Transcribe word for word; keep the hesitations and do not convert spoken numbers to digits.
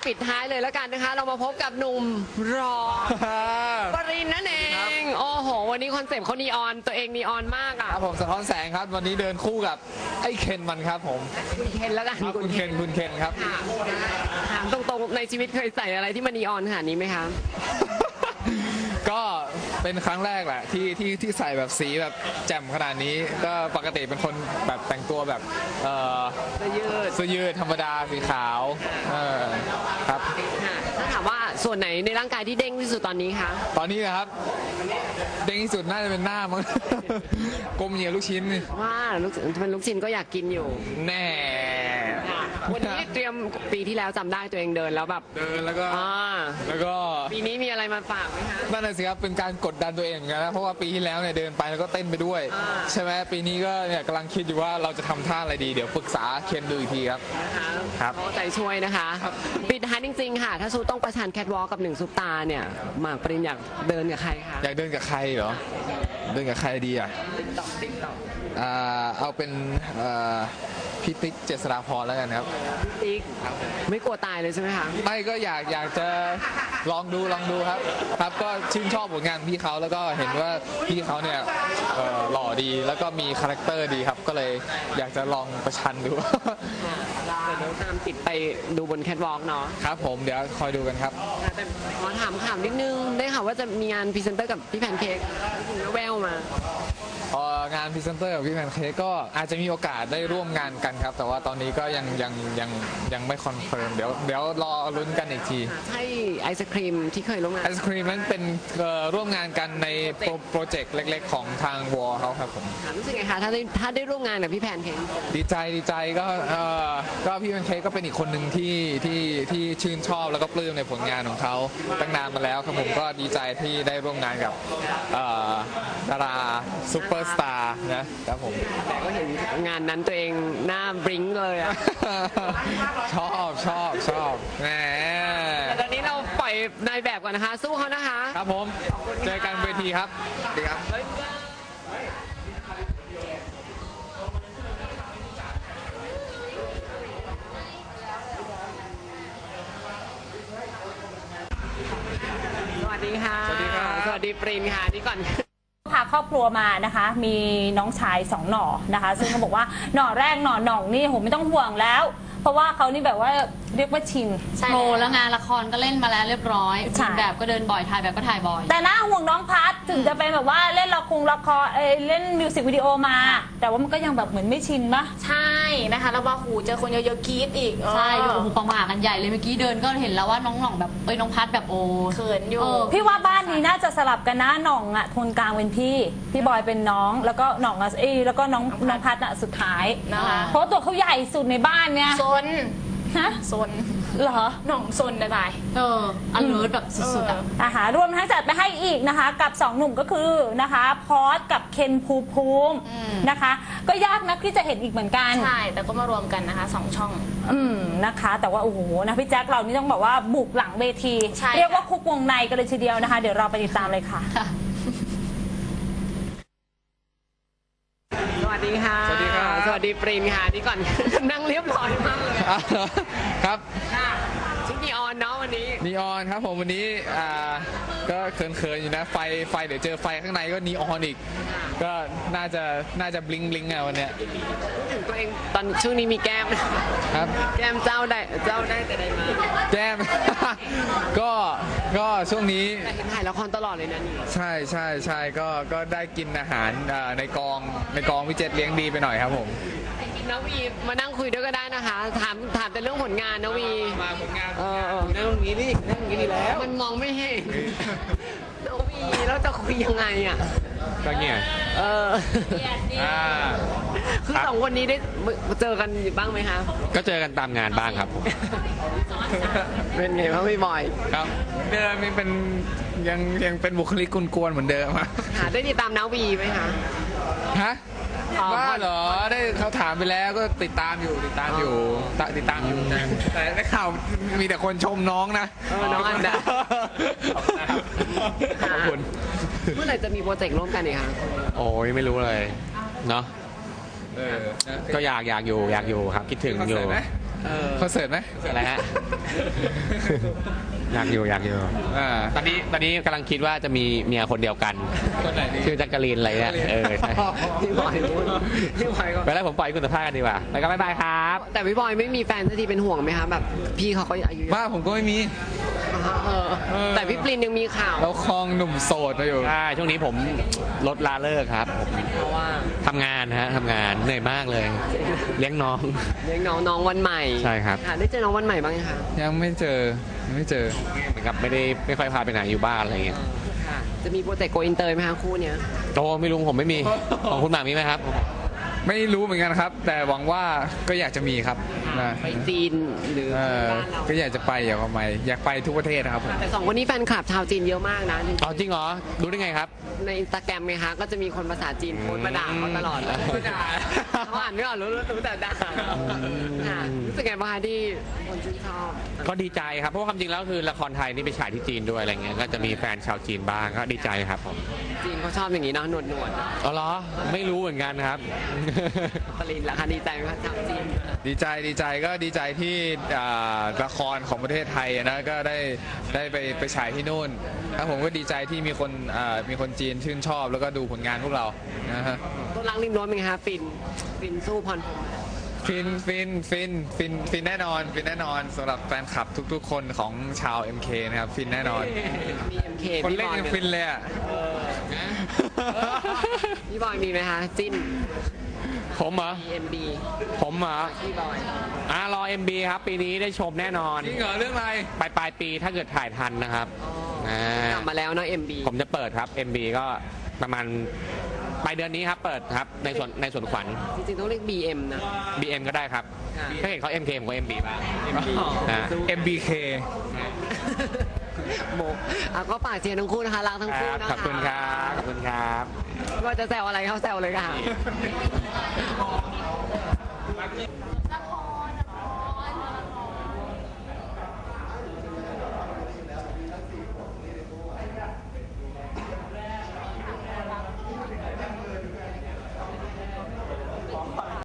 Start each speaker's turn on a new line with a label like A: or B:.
A: ปิดท้ายเลยแล้วกันนะคะ เรามาพบกับหนุ่มรอ ปรินนั่นเองโอ้โหวันนี้คอนเซปต์เขานีออนตัวเองนีออนมากอ่ะ
B: ครับผมสะท้อนแสงครับวันนี้เดินคู่กับไอ้เคนมันครับผม
A: คุณเคนแล้วกัน
B: ครับคุณเคนคุณเคนครับ
A: ค่ะถามตรงๆในชีวิตเคยใส่อะไรที่มันนีออนขนาดนี้ไหมคะ
B: ก็เป็นครั้งแรกแหละที่ที่ที่ใส่แบบสีแบบแจ่มขนาดนี้ก็ปกติเป็นคนแบบแต่งตัวแบบเอ่อ
A: เสื้อยืด
B: เสื้อยืดธรรมดาสีขาวเออครับ
A: ค่ะถ้าถามว่าส่วนไหนในร่างกายที่เด้งที่สุดตอนนี้คะ
B: ตอนนี้นะครับเด้งที่สุดน่าจะเป็นหน้ามั้ง กลมเหนียวลูกชิ้นนี่
A: ว่าลูกเป็นลูกชิ้นก็อยากกินอยู่
B: แน่
A: ค่ะวันนี้เตรียมปีที่แล้วจำได้ตัวเองเดินแล้วแบบ
B: เดินแล้วก็
A: อ่า
B: แล้วก็
A: ปีนี้มีอะไรมาฝากไหมคะ
B: นั่นน่ะสิครับเป็นการกดดันตัวเองเหมือนกันนะเพราะว่าปีที่แล้วเนี่ยเดินไปแล้วก็เต้นไปด้วย
A: อ่า
B: ใช่ไหมปีนี้ก็เนี่ยกำลังคิดอยู่ว่าเราจะทำท่าอะไรดีเดี๋ยวปรึกษาเคนดูอีกทีครับ
A: นะคะ
B: ครับ
A: ขอใจช่วยนะคะ
B: ครับ
A: ปิดท้ายจริงๆค่ะ ถ้าซูต้องประชันแคทวอล์กกับหนึ่งซุปตาเนี่ยหมากปรินอยากเดินกับใครคะ
B: อยากเดินกับใครเหรอเดินกับใครดีอ่ะ
A: ติ๊กต็อกติ๊กต็อก
B: อ่าเอาเป็นเอ่อพี่ติ๊กเจษฎาพรแล้วกันครับ
A: ติ๊กไม่กลัวตายเลยใช่ไหมคะ
B: ไม่ก็อยากอยากจะลองดูลองดูครับ ครับก็ชื่นชอบผลงานพี่เขาแล้วก็เห็นว่าพี่เขาเนี่ยเอ่อหล่อดีแล้วก็มีคาแรคเตอร์ดีครับ ก็เลยอยากจะลองประชันดู
A: เดี๋ยวน้องตามติดไปดูบนแคทวอล์กเนาะ
B: ครับผมเดี๋ยวคอยดูกันครับ
A: แต่ขอถามข่าวนิดนึงได้ข่าวว่าจะมีงานพรีเซนเตอร์กับพี่แพนเค้กแววมา
B: เอ่องานพรีเซนเตอร์กับพี่แพนเค้กก็อาจจะมีโอกาสได้ร่วมงานกันครับ แต่ว่าตอนนี้ก็ยังยังยังยังไม่คอนเฟิร์มเดี๋ยวเดี๋ยวรอลุ้นกันอีกที
A: ใช่ไอศครีมที่เคยร่วมงาน
B: ไอศครีมนั้นเป็นเอ่อร่วมงานกันในโปรโปรเจกต์เล็กๆของทางวอลเขาครับผม
A: ถามรู้สึกไงคะถ้าได้ถ้าได้ร่วมงานกับพี่แพนเค้ก
B: ดีใจดีใจก็เอ่อก็พี่แพนเค้กก็เป็นอีกคนหนึ่งที่ที่ที่ชื่นชอบแล้วก็ปลื้มในผลงานของเขาตั้งนานมาแล้วครับผมก็ดีใจที่ได้ร่วมงานกับเอ่อดาราซูเปอร์สตาร์นะครับผม
A: แต่ก็เห็นงานนั้นตัวเองหน้าบริ้งเลยอะ
B: ชอบชอบชอบแหม
A: แต่ตอนนี้เราปล่อยนายแบบก่อนนะคะ สู้เขานะคะ
B: ครับผมเจอกันเวทีครับดีครับ
A: สวัสดีค่ะ
B: สวัสดีครับ
A: สวัสดีปรินค่ะนี่ก่อน
C: พาครอบครัวมานะคะ มีน้องชายสองหน่อนะคะ ซึ่งเขาบอกว่าหน่อแรกหน่อหน่องนี่โหไม่ต้องห่วงแล้ว เพราะว่าเขานี่แบบว่าเรียกว่าชิน
D: โชว์แล้วงานละครก็เล่นมาแล้วเรียบร้อย
C: ใช่
D: แบบก็เดินบ่อยถ่ายแบบก็ถ่ายบ่อย
C: แต่น่าห่วงน้องพัทถึงจะเป็นแบบว่าเล่นละครละครเอยเล่นมิวสิกวิดีโอมา แต่ว่ามันก็ยังแบบเหมือนไม่ชินปะ
E: ใช่นะคะแล้วว่าหูเจอคนเยอะๆกรี๊ดอีก
D: ใช่
E: เอ
D: ดู
E: อ
D: โอ้โหประหม่ากันใหญ่เลยเมื่อกี้เดินก็เห็นแล้วว่าน้องหน่องแบบเอ้ยน้องพัดแบบโอ้
E: เขินอยู่
D: เออ
C: พี่ว่าบ้านนี้น่าจะสลับกันนะหน่องอะโทนกลางเป็นพี่ พี่บอยเป็นน้องแล้วก็หน่องอะเอยแล้วก็น้องน้องพัทอะสุดท้าย
E: นะคะ
C: เพราะตัวเขาใหญ่สุดในบ้านเนี่ย
E: ซน
C: ฮะ
E: ซน
C: เหรอ
E: หน่องซนนะตาย
D: เอออันเลิศแบบสุดๆอ่ะ
C: อาหารรวมทั้งจัดไปให้อีกนะคะ กับสองหนุ่มก็คือนะคะพอสกับเคนภูมิภูมิ
E: อืม
C: นะคะ ก็ยากนักที่จะเห็นอีกเหมือนกัน
E: ใช่แต่ก็มารวมกันนะคะสองช่อง
C: อืมนะคะ แต่ว่าโอ้โหนะพี่แจ็คเรานี่ต้องบอกว่าบุกหลังเวที
E: ใช่ค่ะ
C: เรียกว่าคุกวงในกันเลยทีเดียวนะคะ เดี๋ยวเราไปติดตามเลยค่ะ
A: สวัสดีค่ะ
B: สวัสดีครับ
A: สวัสดีปรินค่ะนี่ก่อน นั่งเรียบร้อยมากเลย
B: อ่ะครับ
A: ค่ะชุดนีออนเนาะวันนี้
B: นีออนครับผมวันนี้อ่าก็เขินๆอยู่นะไฟไฟเดี๋ยวเจอไฟข้างในก็นีออนอีก ก็น่าจะน่าจะบลิงบลิงอ่ะวันเนี้ย
A: ถึงตัวเองตอนช่วงนี้มีแก้ม
B: ครับ
A: แก้มเจ้าได้เจ้าได้แต่ใดมา
B: แก้ม ก็ก็ช่วงนี้
A: แต่เห็นถ่ายละครตลอดเลยนะนี่
B: ใช่ใช่ใช่ก็ก็ได้กินอาหารอ่าในกองในกองวิเจตเลี้ยงดีไปหน่อยครับผม
A: นาวีมานั่งคุยด้วยก็ได้นะคะ ถามถามแต่เรื่องผลงานนาวี
B: มาผลงาน
A: เออเออ
B: นั่งตรงนี้นี่นั่งตรงนี้ดีแล้ว
A: มันมองไม่เห็นนาวีแล้วจะคุยยังไงอ่ะ
B: ก็เงี้ย
A: เออ
B: อ่า
A: คือสองคนนี้ได้เจอกันบ้างไหมคะ
F: ก็เจอกันตามงานบ้างครับผม
A: เป็นไงบ้างพี่บอย
B: ครับเดิมยังเป็นยังยังเป็นบุคลิกกวนๆเหมือนเดิมอะ
A: หาได้ติดตามนาวีไหมคะ
B: ฮะ
A: อ๋อ
B: ว่าเหรอได้เขาถามไปแล้วก็ติดตามอยู่ติดตามอยู่ตติดตามอยู่นะแต่ได้ข่าวมีแต่คนชมน้องนะ
A: เออน้องอันดา
B: ขอบคุณ
A: เมื่อไหร่จะมีโปรเจกต์ร่วมกันอีกคะ
F: โอ้ยไม่รู้เลยเนาะ
B: เออนะ
F: ก็อยากอยากอยู่อยากอยู่ครับ คิดถึงอยู่
B: คอนเสิร์ตไหม
A: เออ
B: คอนเสิร์ตไหม
F: อะไรฮะ อยากอยู่อยากอยู่
B: อ่า
F: ตอนนี้ตอนนี้กำลังคิดว่าจะมีเมียคนเดียวกัน
B: คนไหนดี
F: ชื่อจักรีนอะไรเนี่ยเออใช่
A: พี่บอยพูดพี่บอยก็
F: ไปแล้วผมปล่อยคุณสัมภาษณ์กันดีกว่า แล้วก็บ๊ายบายครับ
A: แต่พี่บอยไม่มีแฟนสักทีเป็นห่วงไหมคะแบบพี่เขาก็อายุเยอะ
B: บ้าผมก็ไม่มี
A: เออแต่พี่ปรินยังมีข่าว
B: เราคลองหนุ่มโสดมาอยู่
F: ใช่ช่วงนี้ผมลดลาเลิกครับผม
A: เพราะว่า
F: ทำงานฮะทำงานเหนื่อยมากเลย เลี้ยงน้อง
A: เลี้ยงน้องน้องวันใหม่
F: ใช่ครับ
A: ค่ะได้เจอน้องวันใหม่บ้างไหมคะ
B: ยังไม่เจอยังไม่เจอ
F: เหมือนกับไม่ได้ไม่ค่อยพาไปไหนอยู่บ้านอะไรอย่างเงี้ย
A: ค่ะจะมีโปรเจกต์โกอินเตอร์ไหมคะคู่เนี้ย
F: โตไม่รู้ผมไม่มี ของคุณหมากมีไหมครับ
B: ไม่รู้เหมือนกันครับ แต่หวังว่าก็อยากจะมีครับนะ
A: ไปจีนหรือ
B: เออ
A: บ้านเรา
B: ก็อยากจะไปอยากไปอยากไปทุกประเทศนะครับผม
A: แต่สองคนนี้แฟนคลับชาวจีนเยอะมากนะ
F: อ๋อจริงเหรอรู้ได้ไงครับ
A: ในอินสตาแกรมไงคะก็จะมีคนภาษาจีนโพสต์มาด่าเขาตลอดเลย
F: อืม
A: ด่าเขาอ่านไม่ออกรู้รู้แต่ด่าค่ะรู้สึกไงบ้างคะที่คนชื่นชอบ
F: ก็ดีใจครับเพราะว่าความจริงแล้วคือละครไทยนี่ไปฉายที่จีนด้วยอะไรเงี้ยก็จะมีแฟนชาวจีนบ้างก็ดีใจครับผม
A: จีนเขาชอบอย่างนี้เนาะหนวดหนวด
F: อ๋อเหรอไม่รู้เหมือนกันครับ
A: ปรินล่ะคะดีใจไหมคะชาวจีน
B: ดีใจดีใจก็ดีใจที่อ่าละครของประเทศไทยนะก็ได้ได้ไปไปฉายที่นู่นแล้วผมก็ดีใจที่มีคนอ่ามีคนจีนชื่นชอบแล้วก็ดูผลงานพวกเรานะฮะ
A: ต้นรักริมรั้วเป็นไงคะฟินฟินสู้พรพรหม
B: ฟินฟินฟินฟินฟินแน่นอนฟินแน่นอนสำหรับแฟนคลับทุกๆ คนของชาว เอ็ม เค นะครับฟินแน่นอน
A: มี เอ็ม เค
B: คน
A: พี่
B: เล่
A: บ
B: น
A: อย
B: ยังฟินเลยอ่ะ
A: พี่บอยมีไหมคะจิ้น
F: ผมเหรอ
A: เอ็มบี
F: ผมเหรอ
A: พี่บอย
F: อ่ารอ เอ็ม บี ครับ ปีนี้ได้ชมแน่นอน
B: จริงเหรอเรื่องอะไร
F: ปลายปลายปีถ้าเกิดถ่ายทันนะครับอ่าก
A: ลับมาแล้วเนาะเอ็มบี
F: ผมจะเปิดครับ เอ็ม บี ก็ประมาณปลายเดือนนี้ครับเปิดครับในส่วนในส่วนขวัญ
A: จริงๆต้องเรียก บี เอ็ม นะ
F: บี เอ็ม ก็ได้ครับ
A: ค่ะ
F: ถ้าเห็นเขา เอ็ม เค ผมก็ เอ็ม บี บ้าง นะ
B: เอ็ม บี เค
A: โมอ่ะก็ฝากเชียร์ทั้งคู่นะคะรักทั้ง
F: ค
A: คู่
F: รับ
A: นะคะ
F: ขอบคุณครับขอบคุณครับ
A: ว่าจะแซวอะไรเขาแซวเลยค่ะ